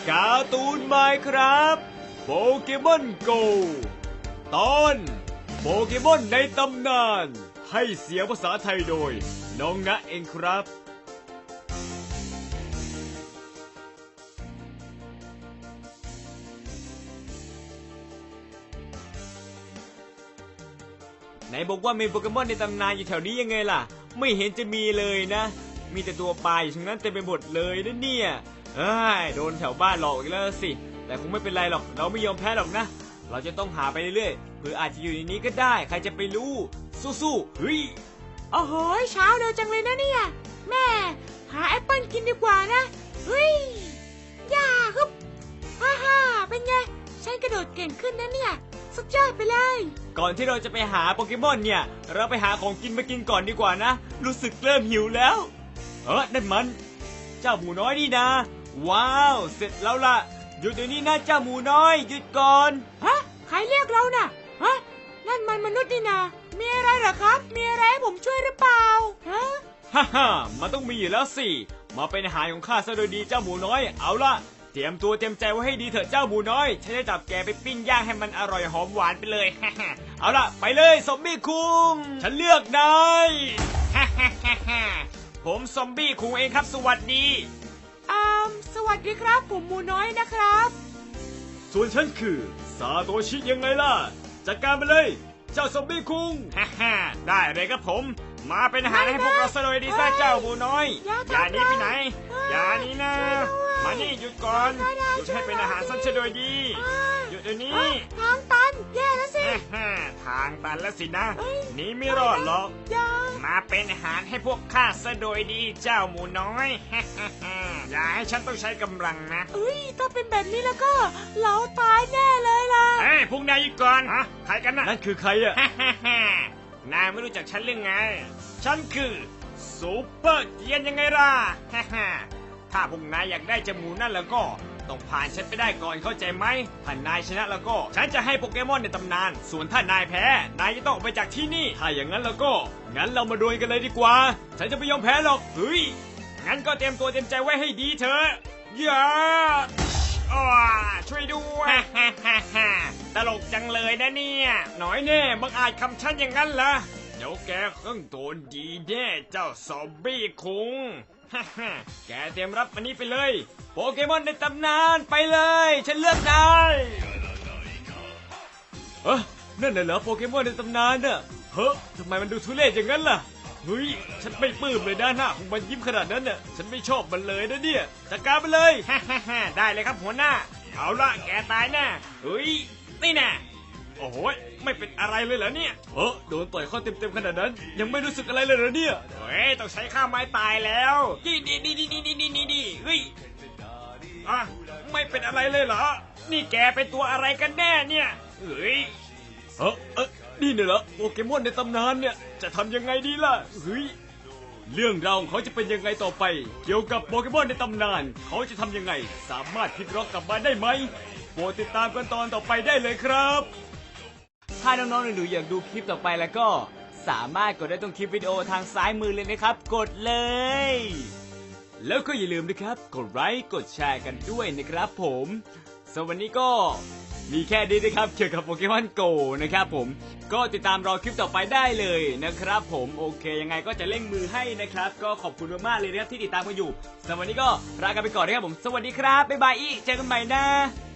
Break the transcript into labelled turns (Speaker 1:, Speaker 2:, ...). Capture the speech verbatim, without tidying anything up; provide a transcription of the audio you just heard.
Speaker 1: การ์ตูนไมน์ครับโปเกมอนโกตอนโปเกมอนในตำนานให้เสียงภาษาไทยโดยน้องณเองครับไหนบอกว่ามีโปเกมอนในตำนานอยู่แถวนี้ยังไงล่ะไม่เห็นจะมีเลยนะมีแต่ตัวปลาอยู่ทั้งนั้นเต็มไปหมดเลยนะเนี่ยเอ้ยโดนแถวบ้านหลอกอีกแล้วสิแต่คงไม่เป็นไรหรอกเราไม่ยอมแพ้หรอกนะเราจะต้องหาไปเรื่อยๆเพื่ออาจจะอยู่ในนี้ก็ได้ใครจะไปรู้สู้ๆเฮ้ย
Speaker 2: โอ้โหเช้าเร็วจังเลยนะเนี่ยแม่หาแอปเปิ้ลกินดีกว่านะเฮ้ยย่าฮึบฮ่าฮ่าเป็นไงฉันกระโดดเก่งขึ้นนะเนี่ยสุดยอดไปเลย
Speaker 1: ก่อนที่เราจะไปหาโปเกมอนเนี่ยเราไปหาของกินมากินก่อนดีกว่านะรู้สึกเริ่มหิวแล้วเออนั่นมันเจ้าหมูน้อยนี่นะว้าวเสร็จแล้วล่ะหยุดเดี๋ยวนี้นะเจ้าหมูน้อยหยุดก่อน
Speaker 2: ฮะใครเรียกเราน่ะฮะนั่นมันมนุษย์นี่นะมีอะไรเหรอครับมีอะไรให้ผมช่วยหรือเปล่าฮะ
Speaker 1: ฮ่าฮ่ามันต้องมีอยู่แล้วสิมาเป็นอาหารของข้าซะโดยดีเจ้าหมูน้อยเอาล่ะเตรียมตัวเตรียมใจไว้ให้ดีเถอะเจ้าหมูน้อยฉันจะจับแกไปปิ้งย่างให้มันอร่อยหอมหวานไปเลยฮ่าฮ่าเอาล่ะไปเลยซอมบี้คุงฉันเลือกนายฮ่าฮ่าฮ่าฮ่าผมซอมบี้คุงเองครับสวัสดี
Speaker 2: อ่าสวัสดีครับผมหมูน้อยนะครับ
Speaker 1: ส่วนฉันคือซาโตชิยังไงล่ะจัดการไปเลยเจ้าซอมบี้คุงฮ่าฮ่าได้เลยครับผมมาเป็นอาหารให้พวกเราซะเลยดีซะเจ้าหมูน้อยอย่าหนีไปไหนอย่าหนีนะมานี่หยุดก่อนหยุดให้เป็นอาหารซะโดยดีหยุดเดี๋ยวนี้
Speaker 2: ทางตันแย่แล้วสิ
Speaker 1: ทางตันแล้วสินะหนีไม่รอดหรอกมาเป็นอาหารให้พวกข้าซะโดยดีเจ้าหมูน้อยอย่าให้ฉันต้องใช้กำลังนะ
Speaker 2: เอ้ยถ้าเป็นแบบนี้แล้วก็เราตายแน่เลยล่ะ
Speaker 1: เฮ้ยพวกนายหยุดก่อนฮะใครกันนะนั่นคือใครอะนายไม่รู้จักฉันหรือไงฉันคือซูเปอร์เกียนยังไงล่ะถ้าพวกนายอยากได้จมูกนั่นแล้วก็ต้องผ่านฉันไปได้ก่อนเข้าใจไหมถ้านายชนะแล้วก็ฉันจะให้โปเกมอนในตำนานส่วนถ้านายแพ้นายจะต้องออกไปจากที่นี่ถ้าอย่างนั้นแล้วก็งั้นเรามาดวลกันเลยดีกว่าฉันจะไม่ยอมแพ้หรอกเฮ้ยงั้นก็เตรียมตัวเตรียมใจไว้ให้ดีเถอะอย่าช่วยด้วยตลกจังเลยนะเนี่ยหน่อยแน่บังอาจคำฉันอย่างนั้นล่ะเดี๋ยวแกเครื่องโดนดีแน่เจ้าซอมบี้คุงแกเตรียมรับอันนี้ไปเลยโปเกมอนในตำนานไปเลยฉันเลือกได้เอ้อนั่นน่ะเหรอโปเกมอนในตำนานน่ะเฮ้ยทำไมมันดูทุเรศอย่างนั้นล่ะเฮ้ยฉันไม่ปลื้มเลยด้านหน้าของมันยิ้มขนาดนั้นน่ะฉันไม่ชอบมันเลยนะเนี่ยจัดการไปเลยได้เลยครับหัวหน้าเอาละแกตายแน่เฮ้ยนี่แน่โอ้โหไม่เป็นอะไรเลยเหรอเนี่ยเออโดนต่อยข้อเต็มๆขนาดนั้นยังไม่รู้สึกอะไรเลยเหรอเนี่ยเฮ้ยต้องใช้ข้าไม้ตายแล้วดีดีดีดีดีดีดีดีเฮ้ยอ่ะไม่เป็นอะไรเลยเหรอนี่แกเป็นตัวอะไรกันแน่เนี่ยเฮ้ยเออเออนี่เนี่ยเหรอโปเกมอนในตำนานเนี่ยจะทำยังไงดีล่ะเฮ้ยเรื่องราวของเขาจะเป็นยังไงต่อไปเกี่ยวกับโปเกมอนในตำนานเขาจะทำยังไงสามารถพลิกล็อกกลับมาได้ไหมโปรดติดตามกันตอนต่อไปได้เลยครับถ้าน้องๆหนูๆอยากดูคลิปต่อไปแล้วก็สามารถกดได้ตรงคลิปวิดีโอทางซ้ายมือเลยนะครับกดเลยแล้วก็อย่าลืมนะครับกดไลค์กดแชร์กันด้วยนะครับผมสำหรับวันนี้ก็มีแค่นี้นะครับเกี่ยวกับโปเกมอนโกนะครับผมก็ติดตามรอคลิปต่อไปได้เลยนะครับผมโอเคยังไงก็จะเร่งมือให้นะครับก็ขอบคุณมากๆเลยนะครับที่ติดตามกันอยู่สำหรับวันนี้ก็ลากันไปก่อนนะครับผมสวัสดีครับบ๊ายบายอีกเจอกันใหม่นะ